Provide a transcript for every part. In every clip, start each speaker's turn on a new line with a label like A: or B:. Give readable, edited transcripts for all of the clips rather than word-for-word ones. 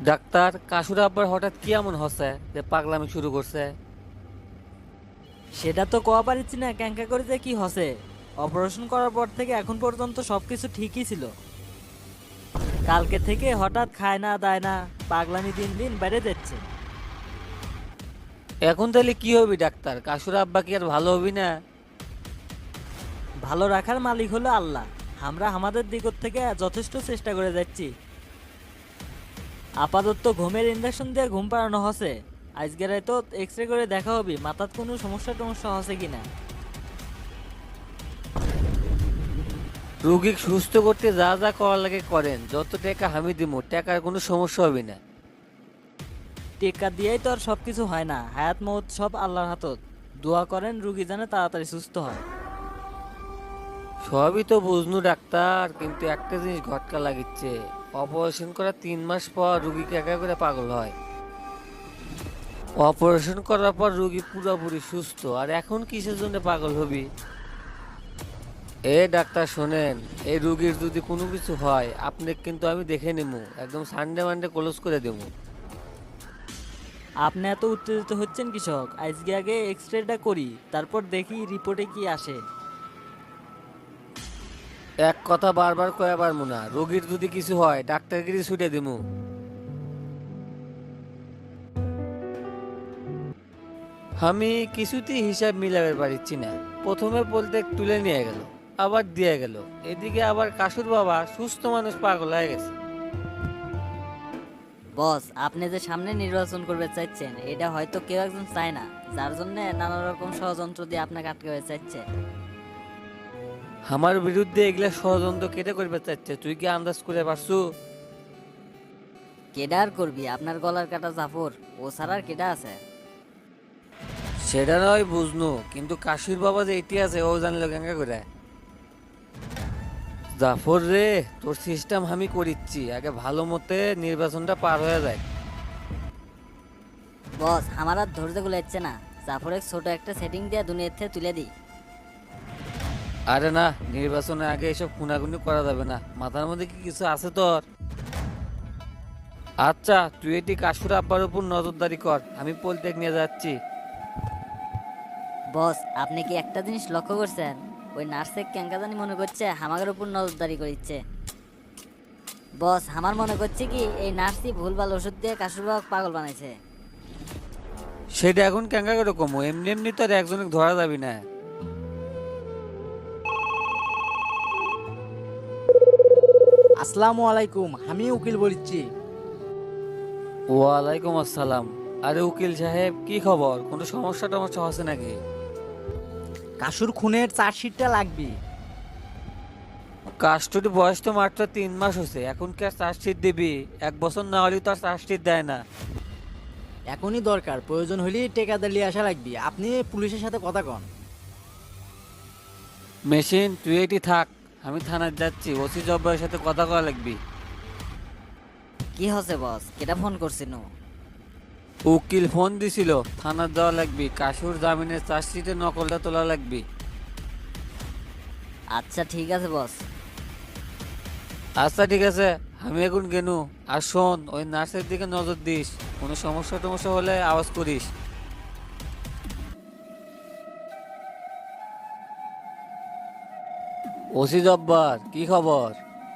A: Doctor, কাসুর আব্বার হঠাৎ কি এমন হচ্ছে যে পাগলামি শুরু করছে?
B: সেটা তো কোয়া পারিচ্ছি না ক্যাঙ্কা করে যে কি হসে। অপারেশন করার পর থেকে এখন পর্যন্ত সবকিছু ঠিকই ছিল। কালকে থেকে হঠাৎ খায় না দায় না, পাগলামি দিন দিন বেড়ে যাচ্ছে।
A: এখন তাহলে কি হবি ডাক্তার? কাসুর আব্বা কি আর ভালো হবি না?
B: ভালো রাখার মালিক হলো আল্লাহ। আমরা আমাদের দিক থেকে যথেষ্ট চেষ্টা করে যাচ্ছি। আপাতত ঘুমের ইঞ্জেকশন দিয়ে ঘুম পাড়ানো হসে। আজকের তো এক্স রে করে দেখা হবে মাথার কোনো সমস্যা টমস্যা হসে কিনা।
A: রুগী সুস্থ করতে যা যা করার লাগে করেন, যত টাকা আমি দিব টাকার কোনো সমস্যা হবে না।
B: টেক্কা দিয়েই তো আর সবকিছু হয় না, হায়াত মৌত সব আল্লাহর হাতত। দোয়া করেন রুগী যেন তাড়াতাড়ি সুস্থ হয়।
A: সবই তো বুঝনু ডাক্তার, কিন্তু একটা জিনিস ঘটকা লাগিচ্ছে। অপারেশন করার 3 মাস পর রুগীকে একা করে পাগল হয়। অপারেশন করার পর রুগী পুরোপুরি সুস্থ, আর এখন কিসের জন্য পাগল হবি? এ ডাক্তার শোনেন, এই রুগীর যদি কোনো কিছু হয় আপনি কিন্তু আমি দেখে নেবো, একদম সানডে মানডে ক্লোজ করে দেবো।
B: আপনি এত উত্তেজিত হচ্ছেন কৃষক, আজকে আগে এক্স রেটা করি, তারপর দেখি রিপোর্টে কি আসে।
A: এক কথা বারবার কয়া পারবো না, রোগীর যদি কিছু হয় ডাক্তারগিরি ছুটে দিমু। আমি কিছুতেই হিসাব মিলাতে পারছি না। প্রথমে বলতে তুলে নিয়ে গেল, আবার দিয়ে গেল, এদিকে আবার কাসুর বাবা সুস্থ মানুষ পাগল হয়ে গেছে।
C: বস, আপনি যে সামনে নির্বাচন করবে চাইছেন এটা হয়তো কেউ একজন চায় না, যার জন্য নানা রকম ষড়যন্ত্র দিয়ে আপনাকে আটকাতে চাইছে।
A: আমার বিরুদ্ধে এগুলা ষড়যন্ত্র কেটে করবে চাচ্ছে, তুই কি আন্দাজ করে পারছু?
C: কেডা আর করবি, আপনার গলার কাটা জাফর, ও ছাড়া আর কেডা আছে?
A: সেটা নয় বুঝনু, কিন্তু কাশির বাবা যে এটি আছে ও জানলো কেঙ্কা করে। জাফর রে, তোর সিস্টেম আমি করিচ্ছি, আগে ভালো মতে নির্বাচনটা পার হয়ে যায়।
C: বস, আমার আর ধৈর্য গুলাচ্ছে না, জাফরের ছোট একটা সেটিং দিয়ে দুনিয়ার থেকে তুলে দিই।
A: আরে না, নির্বাচনের আগে এসব খুনাখুনি করা যাবে না। মাথার মধ্যে কি কিছু আছে তোর? আচ্ছা, তুই এটি কাশুর আব্বার উপর নজরদারি কর, আমি পলটেক নিয়ে যাচ্ছি।
C: বস, আপনি কি একটা জিনিস লক্ষ্য করছেন? ওই নার্সে কেঙ্কা জানি মনে করছে হামাগের উপর নজরদারি করিচ্ছে। বস, আমার মনে করছে কি এই নার্সই ভুলভাল ওষুধ দিয়ে কাশুরবাগ পাগল বানাইছে।
A: সেটা এখন কেঙ্কা করে কমো? এমনি এমনি তো আর একজনকে ধরা যাবি না।
D: আসসালামু আলাইকুম, আমি উকিল বলছি।
A: ওয়ালাইকুম আসসালাম। আরে উকিল সাহেব, কি খবর? কোনো সমস্যা টমস্যা হচ্ছে নাকি?
D: কাসুর খুনের চার্জশিটটা লাগবে।
A: কাস্টডি বয়স তো মাত্র 3 মাস হয়েছে, এখন কি আর চার্জশিট দিবি? 1 বছর না হলেও তো আর চার্জশিট দেয় না।
D: এখনই দরকার, প্রয়োজন হলে টেকাদার নিয়ে আসা লাগবে। আপনি পুলিশের সাথে কথা কন।
A: মেশিন, তুই এটি থাক, আমি থানায় যাচ্ছি, ওসি জব্বারের সাথে কথা কওয়া লাগবি।
C: কি হচ্ছে বস, কেটা ফোন করছিল?
A: উকিল ফোন দিছিল, থানার যাওয়া লাগবি, কাসুর জামিনের চার্জশিটের নকলটা তোলা লাগবি।
C: আচ্ছা ঠিক আছে বস।
A: আচ্ছা ঠিক আছে, আমি এখন গেনু। আর শোন, ওই নার্সের দিকে নজর দিস, কোনো সমস্যা টমস্যা হলে আওয়াজ করিস। ওসি জব্বার, কি খবর?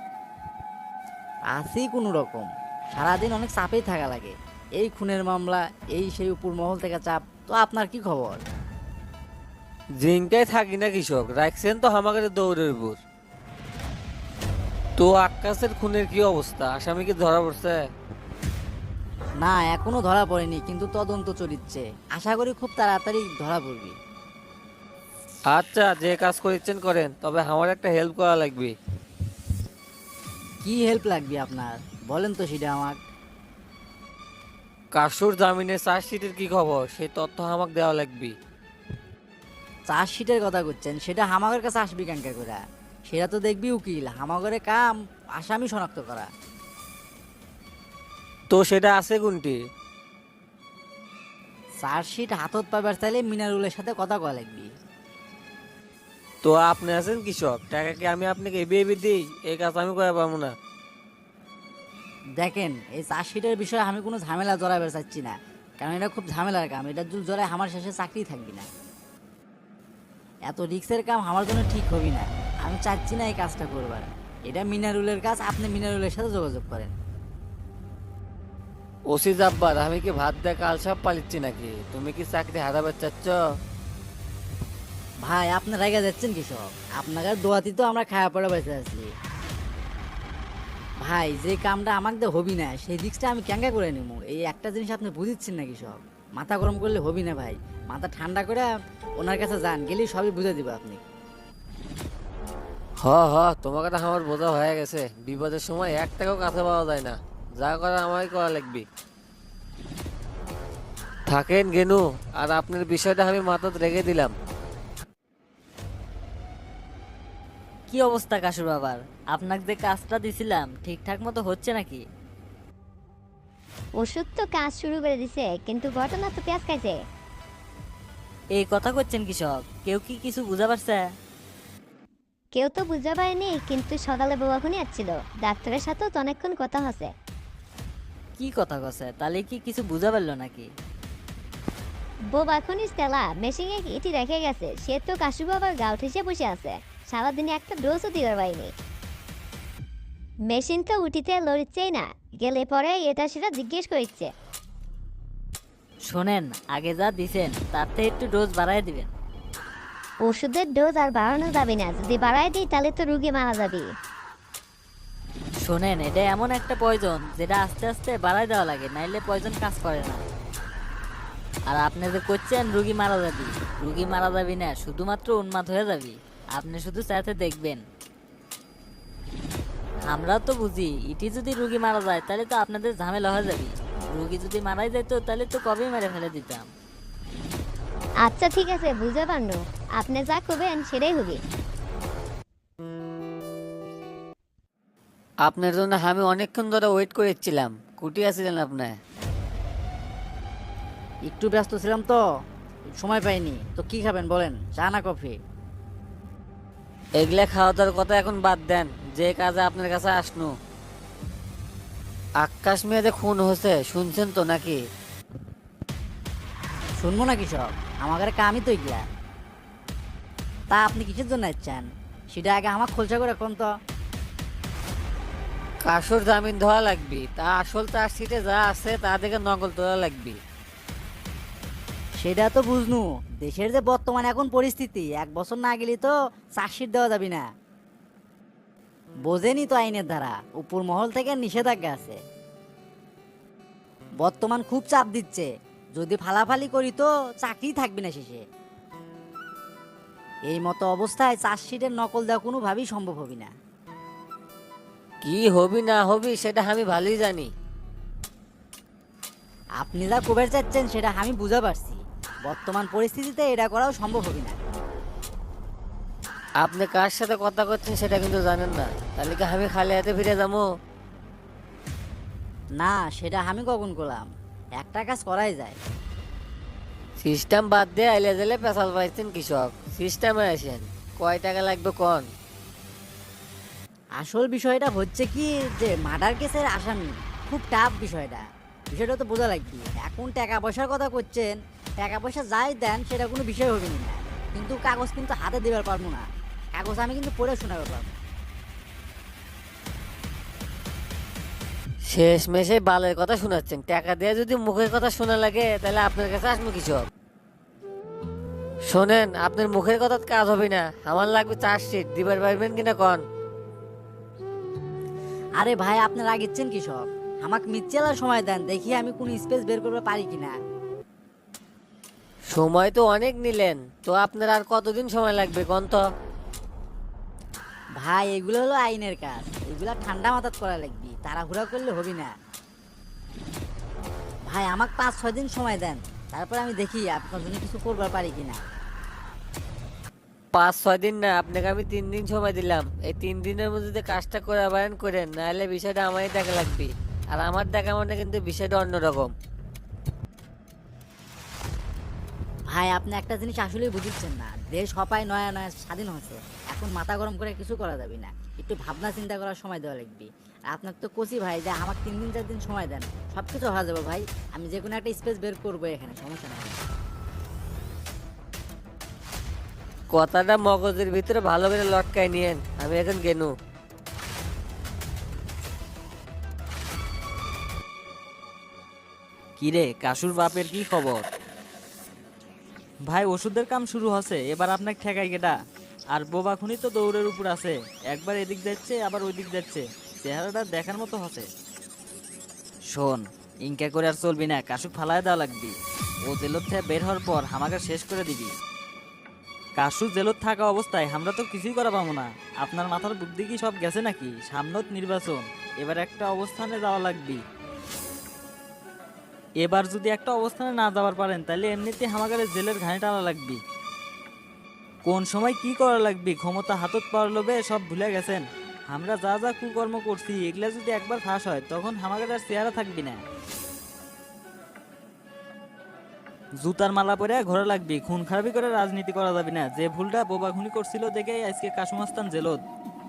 D: আছি কোনো রকম, সারাদিন অনেক চাপেই থাকা লাগে। এই খুনের মামলা, এই সেই উপর মহল থেকে চাপ। তো আপনার কি খবর?
A: জিঙ্কায় থাকি না কৃষক, রাখছেন তো হামাগারে দৌড়ের উপর। তো আক্কাসের খুনের কি অবস্থা? আসামি কি ধরা পড়ছে?
D: না, এখনো ধরা পড়েনি, কিন্তু তদন্ত চলিচ্ছে। আশা করি খুব তাড়াতাড়ি ধরা পড়বে।
A: আচ্ছা, যে কাজ করেছেন করেন, তবে আমার একটা হেল্প করা লাগবে।
D: কি হেল্প লাগবে আপনার? বলেন তো সেটা আমার।
A: কাসুর জামিনের চার্জশিটের কি খবর, সেই তথ্য আমাকে দেওয়া লাগবে।
D: চার্জশিটের কথা করছেন, সেটা হামাগের কাছে আসবি কেঙ্কা করে? সেটা তো দেখবি উকিল, হামাগরে কাম আসামি শনাক্ত করা।
A: তো সেটা আছে কোনটি?
D: চার্জশিট হাতত পাবার চাইলে মিনারুলের সাথে কথা কয়া লাগবি।
A: তো আপনি আছেন কৃষক, টাকা কি আমি আপনাকে এবে এবে দিই? এই কাজ আমি করে পাবো না।
D: দেখেন এই চার্জশিটের বিষয়ে আমি কোনো ঝামেলা জড়াবে চাচ্ছি না, কারণ এটা খুব ঝামেলার কাম। এটা যদি জড়ায় আমার শেষে চাকরি থাকবি না। এত রিক্সের কাম আমার জন্য ঠিক হবি না। আমি চাচ্ছি না এই কাজটা করবার। এটা মিনারুলের কাজ, আপনি মিনারুলের সাথে যোগাযোগ করেন।
A: ওসি জাব্বার, আমি কি ভাত দিয়ে কাল সব পালিচ্ছি নাকি? তুমি কি চাকরি হারাবে চাচ্ছ?
D: ভাই আপনি রেগে যাচ্ছেন কি সব? আপনাদের দোয়াতি তো আমরা খাওয়া পড়ে বেঁচে আছি। ভাই যে কামটা আমাকে হবি না সেই রিক্সটা আমি ক্যাঙ্গা করে নিব, এই একটা জিনিস আপনি বুঝিচ্ছেন নাকি সব? মাথা গরম করলে হবি না ভাই, মাথা ঠান্ডা করে ওনার কাছে যান, গেলেই সবই বুঝে দিব আপনি।
A: হ হ, তোমার কথা আমার বোঝা হয়ে গেছে। বিপদের সময় এক টাকাও কাছে পাওয়া যায় না, যা করা আমারই করা লাগবে। থাকেন গেনু, আর আপনার বিষয়টা আমি মাথায় রেখে দিলাম।
B: কি অবস্থা কাশুর বাবার? আপনাকে যে কাজটা দিছিলাম ঠিকঠাক মতো হচ্ছে নাকি?
E: ওষুধ তো কাজ শুরু করে দিছে, কিন্তু ঘটনা তো পেঁয়াজ খাইছে।
B: এই কথা করছেন কৃষক, কেউ কি কিছু বুঝা পারছে?
E: কেউ তো বুঝতে পারেনি, কিন্তু সকালে বাবা খুনি আসছিল, ডাক্তারের সাথেও তো অনেকক্ষণ কথা হচ্ছে।
B: কি কথা কছে? তাহলে কি কিছু বুঝা পারলো নাকি?
E: বোবা খুনি স্টেলা মেশিনে ইটি রেখে গেছে, সে তো কাশু বাবার গাউ ঠেসে বসে আছে, সারাদিনে একটা ডোজও দিতে পারিনি। মেশিন তো উঠিতে লড়ছেই না, গেলে পরে এটা সেটা জিজ্ঞেস করছে।
B: শোনেন, আগে যা দিছেন তার থেকে একটু ডোজ বাড়ায় দিবেন।
E: ওষুধের ডোজ আর বাড়ানো যাবে না, যদি বাড়ায় দিই তাহলে তো রুগী মারা যাবে।
B: শোনেন, এটা এমন একটা পয়জন যেটা আস্তে আস্তে বাড়ায় দেওয়া লাগে, নাইলে পয়জন কাজ করে না। আর আপনি যে করছেন রুগী মারা যাবি, রুগী মারা যাবি না, শুধুমাত্র উন্মাদ হয়ে যাবি। আপনি শুধু চাইতে দেখবেন। আমরা তো বুঝি ইটি যদি রুগী মারা যায় তাহলে তো আপনাদের ঝামেলা হয়ে যাবে। রুগী যদি মারাই যেত তাহলে তো কবেই মেরে ফেলে দিতাম।
E: আচ্ছা ঠিক আছে, বুঝতে পারলো, আপনি যা করবেন সেটাই হবে।
A: আপনার জন্য আমি অনেকক্ষণ ধরে ওয়েট করেছিলাম। কুটি আছিলেন আপনি?
D: একটু ব্যস্ত ছিলাম তো, সময় পাইনি। তো কি খাবেন বলেন, চা না কফি?
A: এগুলা খাওয়া দাওয়ার কথা এখন বাদ দেন, যে কাজে আপনার কাছে আসনু। আকাশ মেয়েদের খুন হয়েছে, শুনছেন তো নাকি?
D: শুনবো নাকি সব? আমাদের কামই তো এগুলা। তা আপনি কিসের জন্য চান সেটা আগে আমার খোলসা করে কোন তো।
A: কাসুর জামিন ধোয়া লাগবে, তা আসল তার সিটে যা আছে তা থেকে নকল তোলা লাগবে।
D: সেটা তো বুঝনু, দেশের যে বর্তমান এখন পরিস্থিতি, 1 বছর না গেলে তো চার্জশিট দেওয়া যাবে না। বোঝেনি তো আইনের ধারা, উপর মহল থেকে নিষেধাজ্ঞা আছে। বর্তমান খুব চাপ দিচ্ছে, যদি ফালাফালি করি তো চাকরি থাকবে না শেষে। এই মতো অবস্থায় চার্জশিটের নকল দেওয়া কোনোভাবেই সম্ভব হবে না।
A: কি হবি না হবি সেটা আমি ভালোই জানি।
D: আপনি যা কবের চাচ্ছেন সেটা আমি বুঝা পারছি, বর্তমান পরিস্থিতিতে এটা করাও সম্ভব হবে না।
A: আপনি কার সাথে কথা করছেন সেটা কিন্তু জানেন না, তাহলে কি আমি খালি হাতে ফিরে যাবো?
D: না, সেটা আমি কখন করলাম, একটা কাজ করাই যায়।
A: সিস্টেম বাদ দিয়ে আইলে জেলে পেশাল পাইছেন কৃষক, সিস্টেমে আসেন। কয় টাকা লাগবে কোন?
D: আসল বিষয়টা হচ্ছে কি যে মার্ডার কেসের আসামি খুব টাফ বিষয়টা, বিষয়টা তো বোঝা লাগবে। এখন টাকা পয়সার কথা করছেন, টাকা পয়সা যাই দেন সেটা কোনো বিষয় হবে না, কিন্তু কাগজ কিন্তু হাতে দেবার পারবো না। কাগজ আমি কিন্তু পড়ে শোনাতে পারবো।
A: শেষ মেশে বালের কথা শোনাচ্ছেন, টাকা দিয়ে যদি মুখের কথা শোনা লাগে তাহলে আপনার কাছে আসবো কৃষক। শোনেন, আপনার মুখের কথা কাজ হবে না, আমার লাগবে চার্জশিট। দিবার পারবেন কিনা কন?
D: আরে ভাই আপনার আগেচ্ছেন কি সব, আমাকে মিথ্যেলার সময় দেন, দেখি আমি কোন স্পেস বের করতে পারি কিনা।
A: সময় তো অনেক নিলেন, তো আপনার আর কতদিন সময় লাগবে কোন তো?
D: ভাই এগুলো হলো আইনের কাজ, এগুলা ঠান্ডা মাথাত করা লাগবে, তাড়াহুড়া করলে হবে না। ভাই আমাকে 5-6 দিন সময় দেন, তারপর আমি দেখি আপনার জন্য কিছু করবার পারি কিনা।
A: 5-6 দিন না, আপনাকে আমি 3 দিন সময় দিলাম। এই 3 দিনের মধ্যে যদি কাজটা করে আবায়ন করেন, নাহলে বিষয়টা আমারই দেখা লাগবে। আর আমার দেখা মানে কিন্তু বিষয়টা অন্যরকম।
D: ভাই আপনি একটা জিনিস আসলেই বুঝছেন না, দেশ হপায় নয়া নয়া স্বাধীন হয়েছে, এখন এখন মাথা গরম করে কিছু করা যাবে না, একটু ভাবনা চিন্তা করার সময় দেওয়া লাগবে। আর আপনার তো কচি ভাই যে আমাকে 3 দিন 4 দিন সময় দেন, সব কিছু হয়ে যাবে ভাই। আমি যে কোনো একটা স্পেস বের করবো এখানে, সমস্যা নেই।
A: কথাটা মগজের ভিতরে ভালো করে লটকায় নিয়েন, আমি এখন গেনু।
B: কিরে কাশুর বাপের কি খবর? ভাই ওষুধের কাম শুরু হচ্ছে, এবার আপনাকে ঠেকাই কেটা? আর বোবা খুনি তো দৌড়ের উপর আছে, একবার এদিক যাচ্ছে আবার ওই দিক যাচ্ছে, চেহারাটা দেখার মতো হচ্ছে। শোন, ইনকা করে আর চলবি না, কাশুক ফালায় দেওয়া লাগবি। ও জেলত থেকে বের হওয়ার পর আমাকে শেষ করে দিবি। কাশু জেলত থাকা অবস্থায় আমরা তো কিছুই করা পাবো না। আপনার মাথার বুদ্ধি কি সব গেছে নাকি? সামনত নির্বাচন, এবার একটা অবস্থানে যাওয়া লাগবে। এবার যদি একটা অবস্থানে না যাওয়ার পারেন তাহলে এমনিতে হামাগারে জেলের ঘানি টানা লাগবে। কোন সময় কি করা লাগবে ক্ষমতা হাতত পাওয়ার লোভে সব ভুলে গেছেন। আমরা যা যা কুকর্ম করছি এগুলা যদি একবার ফাঁস হয় তখন হামাগারে আর চেহারা থাকবি না। জুতার মালা পরে ঘোরা লাগবে, খুন খারাপি করে রাজনীতি করা যাবে না। যে ভুলটা বোবা খুনি করছিল দেখে আজকে কাশুমাস্তান জেলত।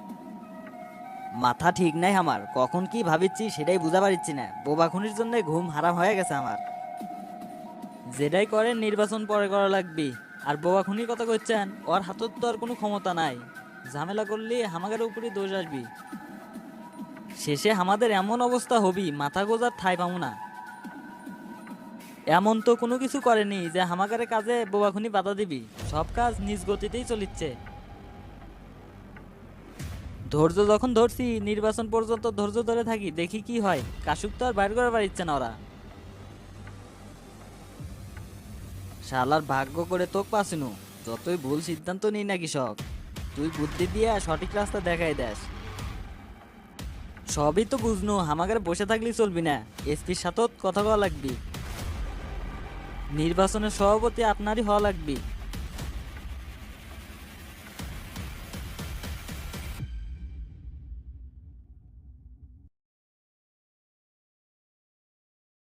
B: মাথা ঠিক নাই আমার, কখন কি ভাবিচ্ছি সেটাই বুঝা পারিচ্ছি না। বোবা খুনির জন্য ঘুম হারাম হয়ে গেছে আমার। যেটাই করেন নির্বাচন পরে করা লাগবে। আর বোবা খুনির কথা করছেন, ওর হাতত তো আর কোনো ক্ষমতা নাই। ঝামেলা করলে আমাদের উপরে দোষ আসবি, শেষে আমাদের এমন অবস্থা হবি মাথা গোজার ঠাই পাবো না। এমন তো কোনো কিছু করেনি যে হামাকারে কাজে বোবাখুনি বাধা দিবি, সব কাজ নিজ গতিতেই চলিচ্ছে। ধৈর্য যখন ধরছি নির্বাচন পর্যন্ত ধৈর্য ধরে থাকি, দেখি কি হয়। কাশুক তো আর বাইর করে পারিচ্ছে না ওরা। শালার ভাগ্য করে তোক পাসিনু, যতই ভুল সিদ্ধান্ত নিই না কৃষক, তুই বুদ্ধি দিয়ে সঠিক রাস্তা দেখাই দেস। সবই তো বুঝনু, হামাগারে বসে থাকলেই চলবি না, এসপির সাথেও কথা বলা লাগবি। নির্বাচনের সভাপতি আপনারই হওয়া লাগবে।